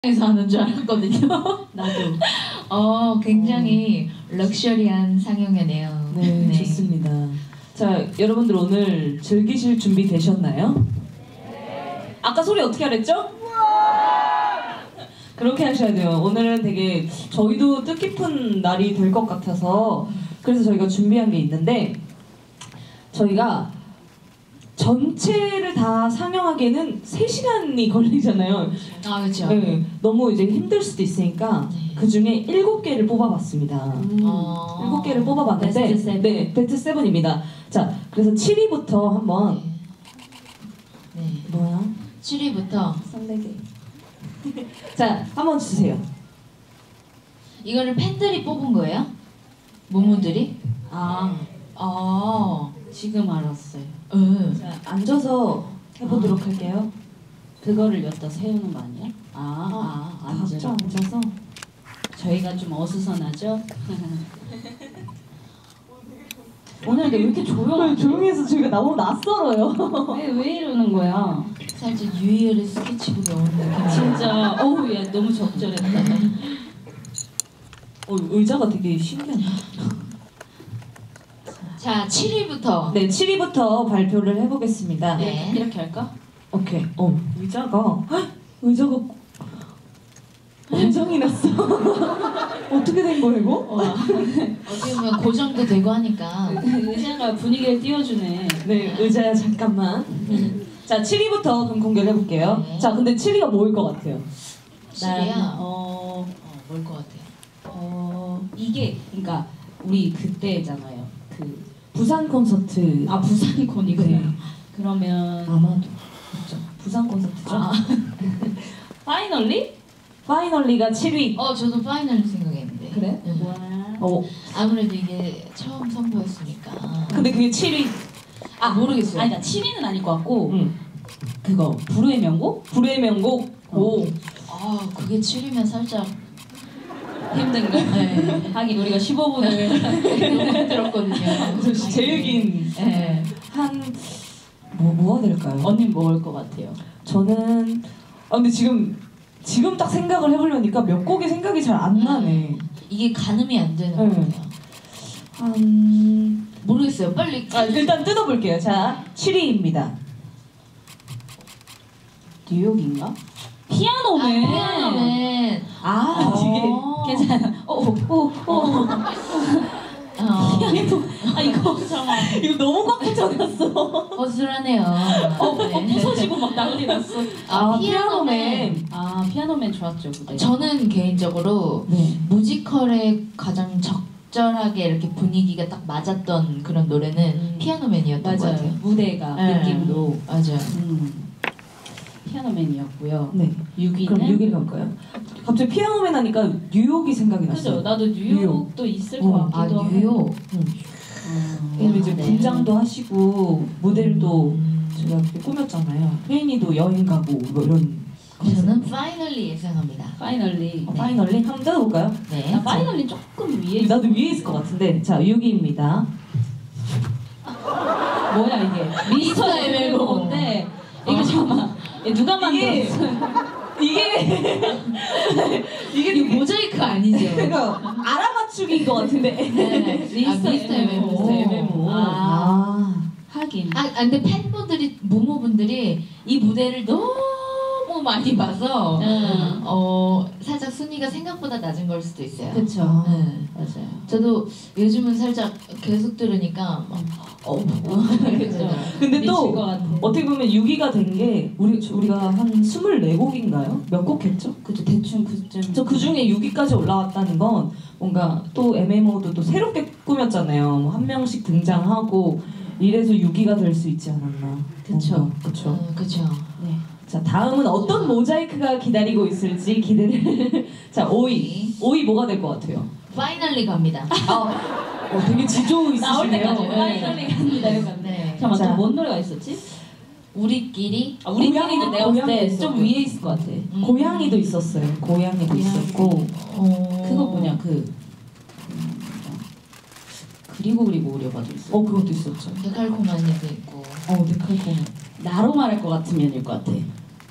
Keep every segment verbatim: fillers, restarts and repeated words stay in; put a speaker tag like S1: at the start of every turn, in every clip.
S1: 에서 하는 줄 알았거든요.
S2: 나도.
S1: 어, 굉장히 어. 럭셔리한 상영회네요.
S2: 네, 네, 좋습니다. 자, 여러분들 오늘 즐기실 준비 되셨나요? 네. 아까 소리 어떻게 하랬죠? 그렇게 하셔야 돼요. 오늘은 되게 저희도 뜻깊은 날이 될 것 같아서 그래서 저희가 준비한 게 있는데 저희가 전체를 다 상영하기에는 세 시간이 걸리잖아요.
S1: 아, 그렇죠.
S2: 네, 너무 이제 힘들 수도 있으니까 네. 그 중에 일곱 개를 뽑아봤습니다.
S1: 음. 어.
S2: 일곱 개를 뽑아봤는데
S1: 베스트 세븐.
S2: 네, 베스트 세븐입니다. 자, 그래서 칠 위부터 한번
S1: 네. 네.
S2: 뭐야?
S1: 칠 위부터
S2: 삼백 개. 자, 한번 주세요.
S1: 이거를 팬들이 뽑은 거예요? 모모들이?
S2: 아,
S1: 아,
S3: 지금 알았어요.
S1: 응.
S2: 자, 앉아서 해보도록
S3: 아.
S2: 할게요.
S3: 그거를 여기다 세우는 거 아니야? 아,
S2: 아,
S3: 아,
S2: 각자
S3: 앉아.
S2: 앉아서.
S3: 저희가 좀 어수선하죠? 오늘 근데 왜 이렇게 조용하지?
S2: 조용히 해서 저희가 너무 낯설어요.
S3: 왜, 왜 이러는 거야?
S1: 살짝 유희열의 스케치북에 오는 느낌.
S3: 진짜 어우 야 너무 적절했다.
S2: 어, 의자가 되게 신기하네.
S1: 자, 칠 위부터.
S2: 네, 칠 위부터 발표를 해보겠습니다.
S1: 네.
S3: 이렇게 할까?
S2: 오케이. 어, 의자가 헉! 의자가 고장이 났어. 어떻게 된 거야 이거?
S3: 와,
S1: 어떻게 보면 고정도 되고 하니까.
S3: 의자가 분위기를 띄워주네.
S2: 네, 의자야 잠깐만. 자, 칠 위부터 그럼 공개를 해볼게요.
S1: 네.
S2: 자, 근데 칠 위가 뭐일 것 같아요?
S1: 칠 위야?
S3: 어,
S1: 어, 뭘 것 같아요?
S3: 어 이게 그러니까 우리 그때잖아요. 그
S2: 부산 콘서트.
S3: 아 부산 콘이구나.
S2: 네.
S3: 그러면
S2: 아마도 그렇죠. 부산 콘서트죠.
S3: 아. 파이널리?
S2: 파이널리가 칠 위.
S1: 어, 저도 파이널 생각했는데.
S2: 그래?
S1: 응.
S3: 와.
S2: 어,
S1: 아무래도 이게 처음 선보였으니까.
S2: 근데 그게 칠 위.
S1: 아, 모르겠어요.
S3: 아니 나 칠 위는 아닐 것 같고
S2: 응.
S3: 그거 불후의 명곡?
S2: 불의 명곡. 오.
S1: 아, 그게 칠 위면 살짝
S3: 힘든가?
S1: 네.
S3: 하긴 우리가 십오 분을
S1: 너무 힘들었거든요.
S2: 제일 긴.
S1: 네.
S2: 한 뭐, 뭐가 될까요?
S3: 언니 뭐일 것 같아요?
S2: 저는 아 근데 지금 지금 딱 생각을 해보려니까 몇 곡이 생각이 잘 안 나네.
S1: 이게 가늠이 안 되는
S2: 네.
S1: 것 같아요.
S2: 한
S1: 모르겠어요. 빨리.
S2: 아, 일단 뜯어볼게요. 자, 칠 위입니다.
S3: 뉴욕인가?
S2: 피아노맨.
S1: 아, 피아노맨.
S2: 아, 이게
S1: 어.
S3: 괜찮아. 오오오 오.
S1: 어,
S3: 피아노. 아 이거 잠깐.
S2: 이거 너무 꽉 붙여놨어.
S1: 허술하네요.
S3: 어, 어
S1: 네.
S3: 부서지고 막 난리 났어.
S1: 아, 피아노맨.
S3: 아 피아노맨 좋았죠 그때.
S1: 저는 개인적으로
S2: 네.
S1: 뮤지컬에 가장 적절하게 이렇게 분위기가 딱 맞았던 그런 노래는
S3: 음.
S1: 피아노맨이었던 것
S3: 맞아요.
S1: 같아요.
S3: 무대가
S1: 네.
S3: 느낌도.
S1: 맞아요.
S3: 음. 피아노맨이었고요.
S2: 네.
S3: 육 위는
S2: 그럼 육 위를 갈까요? 갑자기 피아노맨 하니까 뉴욕이 생각이
S3: 그죠?
S2: 났어요.
S3: 나도 뉴욕도 있을
S2: 어.
S3: 것
S1: 아,
S3: 같기도 하고.
S1: 뉴욕.
S2: 응.
S3: 음.
S2: 왜냐면 이제
S1: 네.
S2: 분장도 하시고 모델도
S1: 음.
S2: 제가 이렇게 꾸몄잖아요. 혜인이도 여행 가고 뭐 이런.
S1: 저는 파이널리 예상합니다.
S3: 파이널리.
S2: 어, 파이널리 한번 뜯어볼까요?
S1: 네.
S3: 나 파이널리 조금 위에.
S2: 나도 위에 있을 것 같은데. 자, 육 위입니다.
S3: 뭐야 이게? 미스터 에메로인데 이거 잠깐만. 얘 누가
S2: 이게-
S3: 만들었어?
S2: 이게 이게
S1: 이거 모자이크 아니죠?
S2: 그러니까 알아맞추기인 것 같은데.
S1: 네.
S3: 미스터
S1: 아, 미스터
S3: 에메모.
S1: 에메모.
S3: 미스터 에메모. 아,
S2: 아.
S3: 하긴.
S1: 아, 아, 근데 팬분들이, 모모분들이 이 무대를 너무 많이 봐서
S3: 응.
S1: 어, 살짝 순위가 생각보다 낮은 걸 수도 있어요.
S3: 그쵸.
S1: 네.
S3: 맞아요.
S1: 저도 요즘은 살짝 계속 들으니까 막, 어,
S3: 그죠.
S2: 근데
S3: 미칠
S2: 또
S3: 것 같아.
S2: 어떻게 보면 육 위가 된 게 우리 우리가 한 스물네 곡인가요? 몇 곡 했죠?
S3: 그죠. 대충 그쯤.
S2: 저 그 중에 육 위까지 올라왔다는 건 뭔가 또 엠엠오도 또 새롭게 꾸몄잖아요. 뭐 한 명씩 등장하고 이래서 육 위가 될 수 있지 않았나.
S3: 그쵸.
S2: 뭔가, 그쵸.
S1: 어, 그쵸.
S3: 네.
S2: 자, 다음은 어떤 모자이크가 기다리고 있을지 기대를. 자, 오 위. 오 위 뭐가 될 것 같아요?
S1: 파이널리 갑니다.
S2: 어, 되게 지조
S3: 나올
S2: 있으시네요.
S3: 때까지 파이널리 갑니다. 이거.
S1: 네.
S3: 잠깐만
S2: 자.
S3: 또 뭔 노래가 있었지?
S1: 우리끼리.
S3: 아, 우리끼리는 내가 봤을
S2: 고양이
S3: 때 좀
S2: 있었고.
S3: 위에 있을 것 같아.
S1: 음.
S2: 고양이도 있었어요. 고양이도 있었고.
S1: 어...
S3: 그거 뭐냐 그 음, 그리고 그리고 오려봐도 있어.
S2: 어, 그것도 있었죠.
S1: 데칼코마니도 있고.
S2: 어, 데칼코마.
S3: 나로 말할 것 같으면일 것 같아.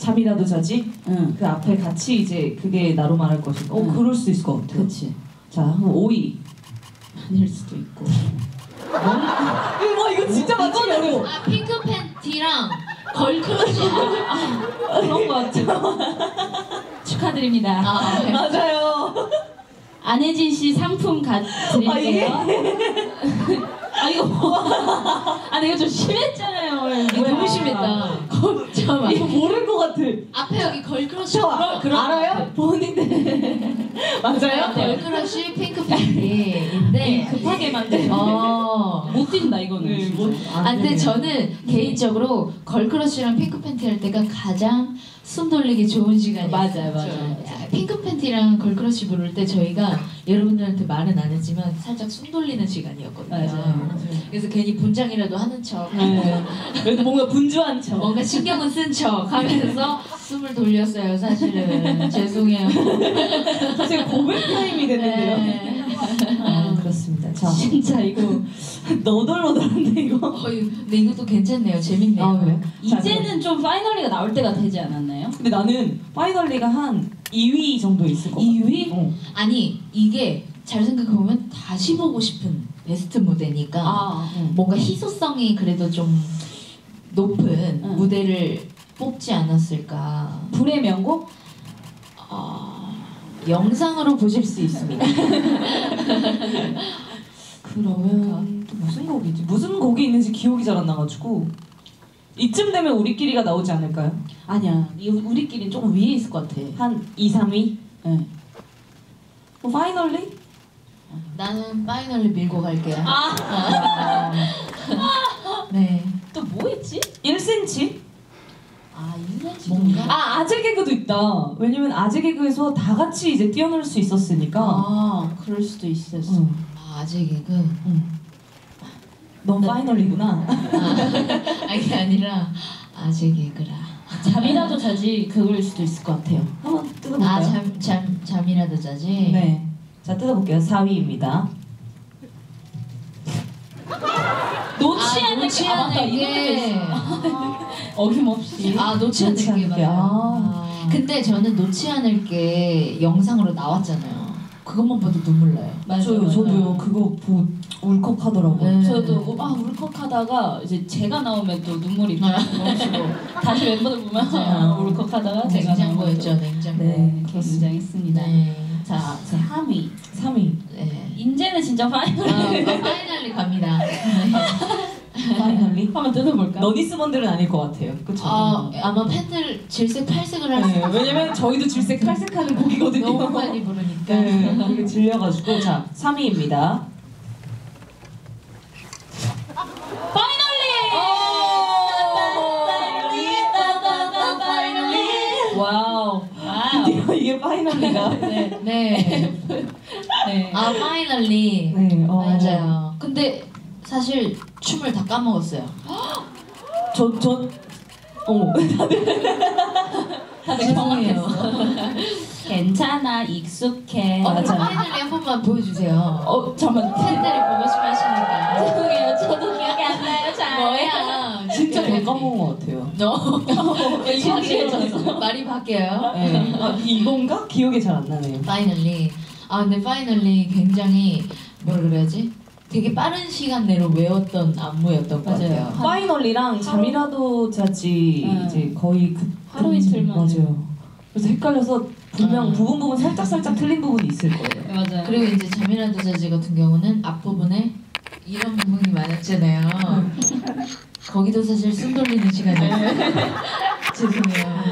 S2: 잠이라도 자지?
S3: 응.
S2: 그 앞에 같이 이제 그게 나로 말할 것이고. 어,
S3: 응.
S2: 그럴 수 있을 것 같아요.
S3: 그치.
S2: 자, 그럼 오 위.
S3: 아닐 수도 있고.
S2: 와, 이거 진짜 맞추기 어려워.
S1: 아 핑크 팬티랑 걸크러쉬. 아,
S3: 그런 거 같죠. 축하드립니다.
S1: 아, 네.
S2: 맞아요.
S3: 안혜진 씨 상품 가 드릴게요. 아 이거 뭐? 아 내가 좀 심했잖아요.
S1: 이거 너무 심했다. 잠깐만.
S2: 이거 모를 것 같아.
S1: 앞에 여기 걸크러쉬.
S2: 저
S1: 그런- 그런 거
S2: 알아요?
S1: 같아.
S2: 본인들. 맞아요?
S1: 걸크러쉬 핑크 팬티인데
S3: 급하게 만든.
S1: 어.
S3: 못 뛴다 이거는.
S2: 네,
S3: 진짜.
S2: 못-
S1: 아 근데 저는 개인적으로 걸크러쉬랑 핑크 팬티 할 때가 가장 숨 돌리기 좋은 시간이에요.
S3: 맞아요, 맞아요.
S1: 핑크 팬티랑 걸크러쉬 부를 때 저희가 여러분들한테 말은 안 했지만 살짝 숨 돌리는 시간이었거든요.
S3: 맞아요.
S1: 그래서 괜히 분장이라도 하는 척,
S2: 네. 그래도 뭔가 분주한 척.
S1: 뭔가 신경은 쓴 척 하면서 숨을 돌렸어요. 사실은 죄송해요.
S2: 사실 고백 타임이 됐는데요.
S1: 네.
S2: 아, 그렇습니다. 자,
S3: 진짜 이거
S2: 너덜너덜한데 이거.
S1: 어, 근데 이것도 괜찮네요. 재밌네요.
S2: 아, 그래요? 자,
S3: 이제는 좀 파이널리가 나올 때가 되지 않았나요?
S2: 근데 나는 파이널리가 한 이 위 정도 있을 것 같아.
S3: 이 위?
S2: 어.
S1: 아니 이게 잘 생각해 보면 다시 보고 싶은 베스트 무대니까
S3: 아,
S2: 응.
S1: 뭔가 희소성이 그래도 좀 높은
S3: 응.
S1: 무대를 뽑지 않았을까.
S3: 불의 명곡?
S1: 아, 영상으로 보실 수 있습니다.
S2: 그러면 또 무슨 곡이지? 무슨 곡이 있는지 기억이 잘 안 나가지고 이쯤 되면 우리끼리가 나오지 않을까요?
S3: 아니야. 이 우리끼리는 조금 위에 있을 것 같아.
S2: 한 이, 삼 위?
S3: 네.
S2: 뭐 파이널리?
S1: 나는 파이널리 밀고 갈게요.
S3: 아,
S1: 네.
S3: 또 뭐 있지?
S2: 일 센티미터?
S3: 아, 인간지
S1: 뭔가?
S2: 아, 아재 개그도 있다. 왜냐면 아재 개그에서 다 같이 이제 뛰어놀 수 있었으니까.
S3: 아, 그럴 수도 있었어.
S2: 응.
S1: 아, 아재 개그.
S2: 응. 넌 파이널리구나.
S1: 아, 이게 아니라 아재 개그라.
S3: 잠이라도 자지 그걸 수도 있을 것 같아요.
S2: 한번 뜯어볼까요?
S1: 아, 잠, 잠, 잠이라도 자지?
S2: 네. 자, 뜯어볼게요. 사 위입니다.
S3: 놓지
S1: 아,
S3: 않는
S1: 놓지
S3: 게 아, 맞다.
S1: 않는
S3: 이것도
S1: 게.
S3: 있어. 어김없이.
S1: 아, 놓지 않을
S2: 놓지
S1: 게
S2: 않을 게.
S1: 맞아요.
S2: 아.
S1: 근데 저는 놓지 않을 게 영상으로 나왔잖아요. 그것만 봐도 눈물 나요.
S3: 맞아요,
S2: 저요,
S3: 맞아요.
S2: 저도요. 그거 보고 울컥하더라고요.
S1: 네.
S3: 저도 아 울컥하다가 이제 제가 나오면 또 눈물이
S1: 아.
S3: 멈추고 다시 멤버들 보면
S1: 맞아요.
S3: 아, 울컥하다가 제가
S1: 냉장고였죠, 냉장고.
S2: 네.
S3: 굉장했습니다.
S1: 네.
S3: 자, 삼 위.
S2: 삼 위.
S1: 네.
S3: 이제는 진짜
S1: 아,
S3: 파이널.
S1: 아, 파이널리 갑니다.
S2: 파이널리?
S3: 한번 뜯어볼까?
S2: 너니스번들은 아닐 것 같아요. 그쵸?
S1: 아, 아마 팬들 질색 팔색을 할 수
S2: 네,
S1: 있어요.
S2: 왜냐면 저희도 질색 탈색하는 곡이거든요.
S1: 너무 많이 부르니까.
S2: 네, 그게 질려가지고. 자, 삼 위입니다.
S3: 와우. 와우.
S2: 드디어 이게 파이널리가.
S3: 네.
S1: 네.
S3: 네.
S1: 아, 파이널리.
S2: 네, 어.
S1: 맞아요. 근데 사실 춤을 다 까먹었어요.
S2: 저, 저, 어머.
S3: 다들
S1: 죄송해요.
S3: 경험했어. 괜찮아, 익숙해.
S1: 어, 그럼
S2: 맞아요.
S1: 파이널리 한 번만 보여주세요.
S3: 어, 잠깐만.
S1: 팬들이 보고 싶어 하시니까.
S3: 죄송해요. 저도 기억이 안 나요. 잘.
S1: 뭐야?
S2: 진짜 더 까먹은 것 같아요.
S1: 너
S3: 익숙해졌어.
S1: 말이 바뀌어요.
S2: 네. 아, 이건가? 기억이 잘 안 나네요.
S1: 파이널리. 아 근데 파이널리 굉장히 뭐라 그래야지? 되게 빠른 시간 내로 외웠던 안무였던 것
S3: 맞아요.
S1: 같아요.
S3: 한-
S2: 파이널리랑 잠이라도 자지
S3: 응.
S2: 이제 거의 그
S3: 하루 이틀만.
S2: 맞아요. 그래서 헷갈려서 분명
S1: 음.
S2: 부분 부분 살짝 살짝 틀린 부분이 있을 거예요.
S3: 맞아요.
S1: 그리고 이제 잠이라도 자지 같은 경우는 앞부분에 이런 부분이 많았잖아요. 거기도 사실 숨 돌리는 시간이었어요. 죄송해요.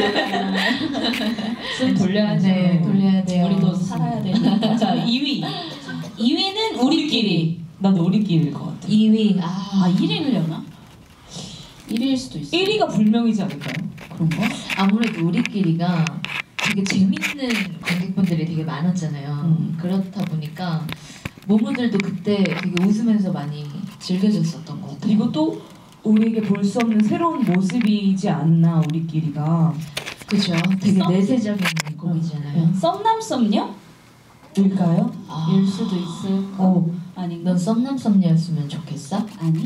S3: 숨 돌려야죠.
S1: 네, 돌려야 돼요.
S3: 우리도 살아야 되니까.
S2: 자, 이 위.
S3: 이 위는 우리끼리.
S2: 나도 우리끼리일 것 같아.
S1: 이 위.
S3: 아,
S1: 아,
S3: 일 위려나? 일 위일 수도 있어.
S2: 일 위가 불명이지 않을까요?
S3: 그런가?
S1: 아무래도 우리끼리가 되게 재밌는 관객분들이 되게 많았잖아요.
S2: 음.
S1: 그렇다 보니까 모모들도 그때 되게 웃으면서 많이 즐겨줬었던 것 같아요.
S2: 그리고 또 우리에게 볼 수 없는 새로운 모습이지 않나 우리끼리가.
S1: 그죠? 되게
S3: 썸?
S1: 내세적인 곡이잖아요.
S2: 음.
S3: 썸남 썸녀?
S2: 일까요?
S1: 아,
S3: 일 수도 있을 거.
S2: 어,
S3: 아닌가?
S1: 넌 썸남썸녀였으면 좋겠어?
S3: 아니.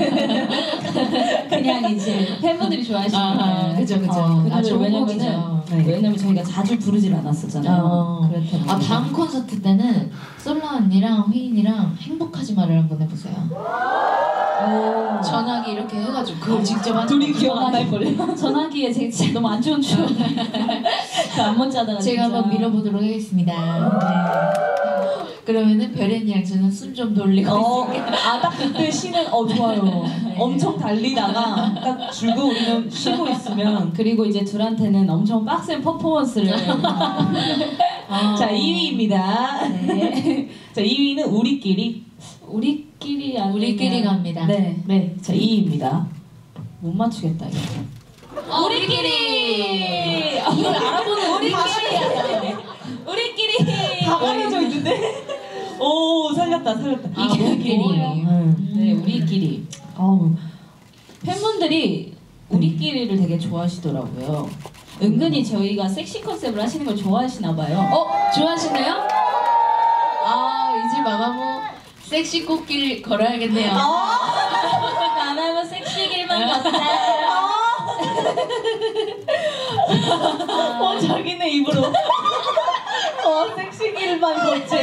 S3: 그냥 이제 팬분들이 좋아하시는
S1: 아,
S3: 거.
S1: 그죠, 그죠.
S3: 어,
S1: 아, 좋은
S3: 왜냐면은
S1: 곡이죠.
S2: 네.
S3: 왜냐면 저희가 자주 부르질 않았었잖아요.
S1: 어.
S3: 그렇기 때문에.
S1: 아, 다음 콘서트 때는 솔라 언니랑 휘인이랑 행복하지 말을 한번 해보세요.
S3: 오.
S1: 전화기 이렇게 해가지고 그걸 직접 하는
S2: 둘이
S1: 거예요.
S2: 기억 안 날걸요?
S3: 전화기에 제 진짜 너무 안 좋은 추억. 그안 먼저 하다가
S1: 제가
S3: 진짜.
S1: 한번 밀어보도록 하겠습니다. 네. 그러면은 별앤이랑 저는 숨 좀 돌리고
S2: 어,
S1: 있을게요.
S2: 아, 딱 그때 쉬는, 어, 좋아요.
S1: 네.
S2: 엄청 달리다가 딱 줄고 우리는 쉬고 있으면.
S3: 그리고 이제 둘한테는 엄청 빡센 퍼포먼스를.
S1: 아.
S2: 자, 이 위입니다.
S3: 네.
S2: 자, 이 위는 우리끼리.
S3: 우리끼리 아니면
S1: 우리끼리 갑니다.
S3: 네.
S2: 네, 자, 이 위입니다.
S3: 못 맞추겠다 이거.
S1: 어, 우리끼리!
S3: 이걸 알아보는 우리끼리. 우리끼리.
S2: 다 가려져 있는데? 오, 살렸다, 살렸다.
S1: 아, 우리끼리.
S2: 음.
S3: 네, 우리끼리.
S2: 어우,
S3: 팬분들이 우리끼리를 되게 좋아하시더라고요. 은근히 저희가 섹시 컨셉을 하시는 걸 좋아하시나 봐요.
S1: 어? 좋아하시나요? 아, 이제 마마무 섹시 꽃길 걸어야겠네요.
S3: 안 하면 섹시 길만 걷자.
S2: 어, 자기네 입으로. 어, 섹시길만 걷지.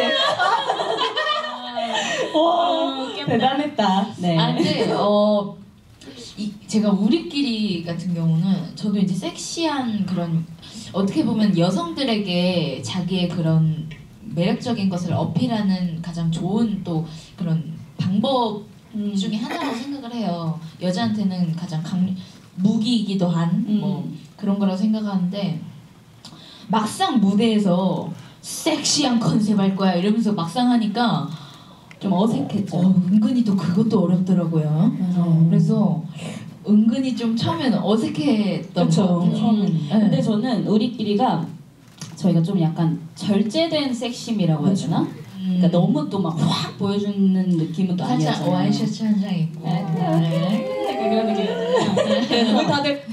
S2: 와, 대단했다.
S3: 네.
S1: 아, 근데 어 이, 제가 우리끼리 같은 경우는 저도 이제 섹시한 그런 어떻게 보면 여성들에게 자기의 그런 매력적인 것을 어필하는 가장 좋은 또 그런 방법
S3: 음.
S1: 중에 하나라고 생각을 해요. 여자한테는 가장 강 무기이기도 한 뭐
S3: 음.
S1: 그런 거라고 생각하는데 막상 무대에서 섹시한 컨셉 할 거야 이러면서 막상 하니까
S3: 좀 어색했죠.
S1: 어, 은근히 또 그것도 어렵더라고요.
S3: 맞아요.
S1: 그래서 은근히 좀 처음에는 어색했던
S2: 그쵸,
S1: 것 같아요.
S2: 처음에는.
S1: 네.
S3: 근데 저는 우리끼리가 저희가 좀 약간 절제된 섹심이라고 해야 되나?
S1: 음,
S3: 그러니까 너무 또 막 확 보여주는 느낌은 또
S1: 살짝
S3: 아니었잖아요.
S1: 와이셔츠 한 장 입고
S3: 네.
S1: 네.
S3: 그런 느낌이었잖아요.
S2: 왜 다들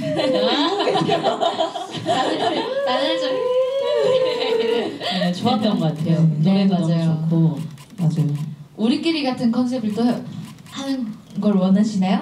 S1: 다들 다들 좀
S3: 네, 좋았던 것 같아요.
S1: 네,
S3: 노래도
S1: 맞아요.
S3: 너무 좋고.
S2: 맞아요.
S1: 우리끼리 같은 컨셉을 또 하는 걸 원하시나요?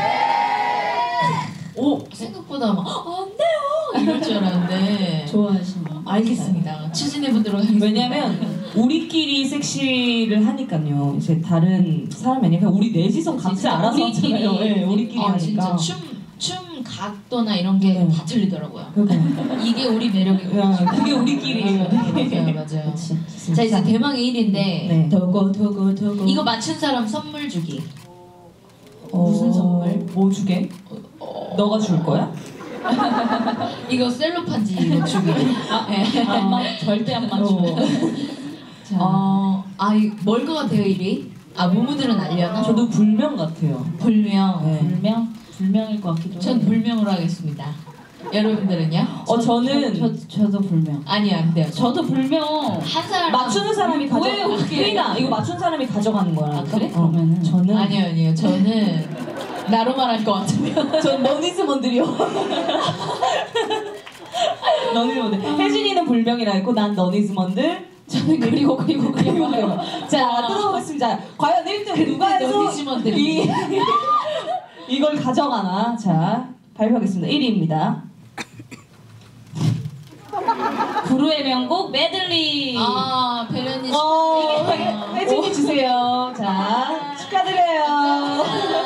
S1: 오 생각보다 막 어, 안 돼요 이럴 줄 알았는데
S3: 좋아하시는.
S1: 알겠습니다. 추진해 보도록 하겠습니다.
S2: 왜냐면 우리끼리 섹시를 하니까요. 이제 다른 사람이 아니라 그냥 우리 넷이서 각자
S3: 진짜
S2: 알아서
S3: 우리끼리.
S2: 하잖아요. 네, 우리끼리
S1: 아,
S2: 하니까.
S1: 진짜 춤, 춤 각도나 이런 게
S2: 네.
S1: 다 틀리더라고요.
S2: 그러니까.
S1: 이게 우리 매력이고.
S2: 야, 그게 우리끼리예요.
S1: 맞아요, 맞아요.
S3: 그렇지.
S1: 자 이제 대망의 일 위인데
S2: 네.
S3: 도고 도고 도고.
S1: 이거 맞춘 사람 선물 주기.
S2: 어,
S3: 무슨 선물?
S2: 뭐 주게? 너가 줄 거야?
S1: 이거 셀로판지 이거 주기. 아, 네.
S3: 안 맞, 절대 안 맞추고.
S2: 어.
S3: 자,
S1: 어, 아뭘것 같아요 일 위? 아 무무들은 알려나?
S2: 저도 불명 같아요.
S1: 불명.
S2: 네.
S3: 불명? 불명일 것 같기도
S1: 전
S3: 해요.
S1: 불명으로 하겠습니다. 여러분들은요?
S2: 어 저는
S3: 저, 저, 저도 불명.
S1: 아니 안 돼요.
S3: 저도 불명.
S1: 한 사람
S2: 맞추는 사람이 가져.
S3: 뭐예요, 그게?
S2: 휘나 이거 맞춘 사람이 가져가는 거야.
S3: 아, 그래? 그러면은.
S2: 저는
S1: 아니요 아니요 저는 나로만 할 것 같으면
S2: 전 너니즈먼들이요. 너니즈먼들. 혜진이는 불명이라 했고 난 너니즈먼들.
S3: 저는 그리고 그리고 그리고 그리고.
S2: 자 뜯어보겠습니다. 과연 일 등 누가 해서
S1: 너니즈먼들.
S2: 이 이걸 가져가나? 자 발표하겠습니다. 일 위입니다.
S3: 구루의 명곡 메들리.
S1: 아 벨렌이
S2: 어,
S1: 축하드려요.
S2: 혜진이 주세요. 자 축하드려요.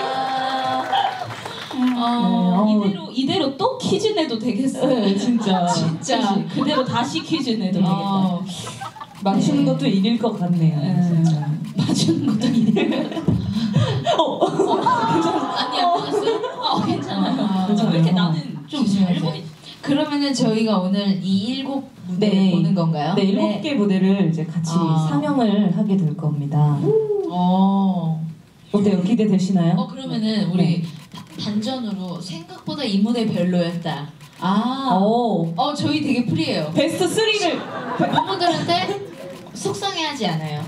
S1: 어,
S2: 네,
S3: 이대로 이대로 또 퀴즈 내도 되겠어.
S2: 네, 진짜.
S1: 진짜.
S3: 그치? 그대로 다시 퀴즈 내도 되겠다.
S1: 어,
S2: 맞추는 것도 일일 것 같네요.
S3: 네.
S2: 진짜.
S3: 맞추는 것도 이대로.
S2: 어.
S1: 아니 안 맞았어요?
S3: 어 괜찮아요.
S1: 아,
S2: 괜찮아요.
S3: 왜 이렇게 나는 좀 잘
S1: 조심하세요.
S3: 보이.
S1: 그러면은 저희가 오늘 이 일곱 무대
S2: 네.
S1: 보는 건가요?
S2: 네, 일곱 개 무대를 이제 같이
S1: 아.
S2: 상영을 하게 될 겁니다.
S1: 어.
S2: 어때요? 기대되시나요?
S1: 어 그러면은 우리 단전으로 생각보다 이 무대 별로였다.
S3: 아.
S2: 오.
S1: 어 저희 되게 프리해요.
S2: 베스트 쓰리를
S1: 부모들한테 속상해하지 않아요.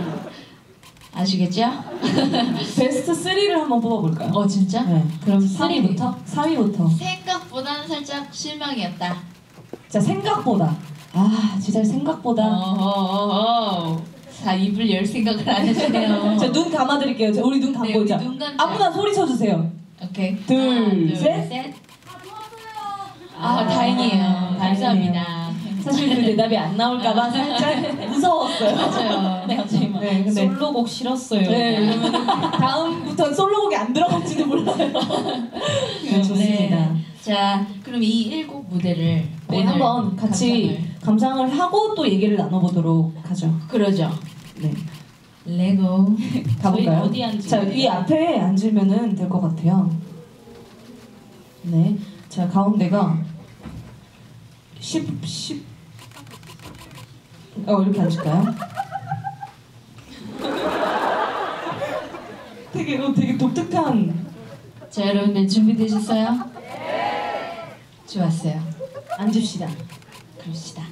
S1: 아시겠죠?
S2: 베스트 쓰리를 한번 뽑아볼까요?
S1: 어 진짜?
S2: 네.
S3: 그럼
S2: 삼 위부터? 삼 위부터.
S1: 생각보다는 살짝 실망이었다.
S2: 자 생각보다. 아 진짜 생각보다.
S1: 어허허허. 다 입을 열 생각을 안 하시네요.
S2: 자, 눈 감아드릴게요. 자, 우리 눈 감고
S1: 네, 우리
S2: 자.
S1: 눈 감자.
S2: 아무나 소리 쳐주세요.
S1: 오케이.
S2: 둘,
S1: 하나,
S2: 셋.
S1: 아,
S2: 아,
S1: 다행이에요.
S2: 다행이네요.
S1: 감사합니다.
S2: 사실 그 대답이 안 나올까봐 살짝 무서웠어요.
S1: 맞아요.
S3: 네, 갑자기 막
S2: 네, 근데-
S3: 솔로곡 싫었어요.
S2: 네, 그러면 다음부터는 솔로곡이 안 들어갈지도 몰라요. 네, 좋습니다.
S1: 네. 자, 그럼 이 일곱 무대를
S2: 네,
S1: 오늘
S2: 한번 같이 감상을. 하고 또 얘기를 나눠보도록 하죠.
S1: 감상을. 그러죠.
S2: 네,
S1: 레고.
S2: 가볼까요?
S3: 저희 어디 앉을까요?
S2: 자, 이 앞에 앉으면은 될 것 같아요. 네, 자 가운데가 십, 십. 어 이렇게 앉을까요? 되게 어, 되게 독특한.
S1: 자, 여러분들 준비되셨어요? 네. 좋았어요.
S2: 앉읍시다.
S1: 그럽시다.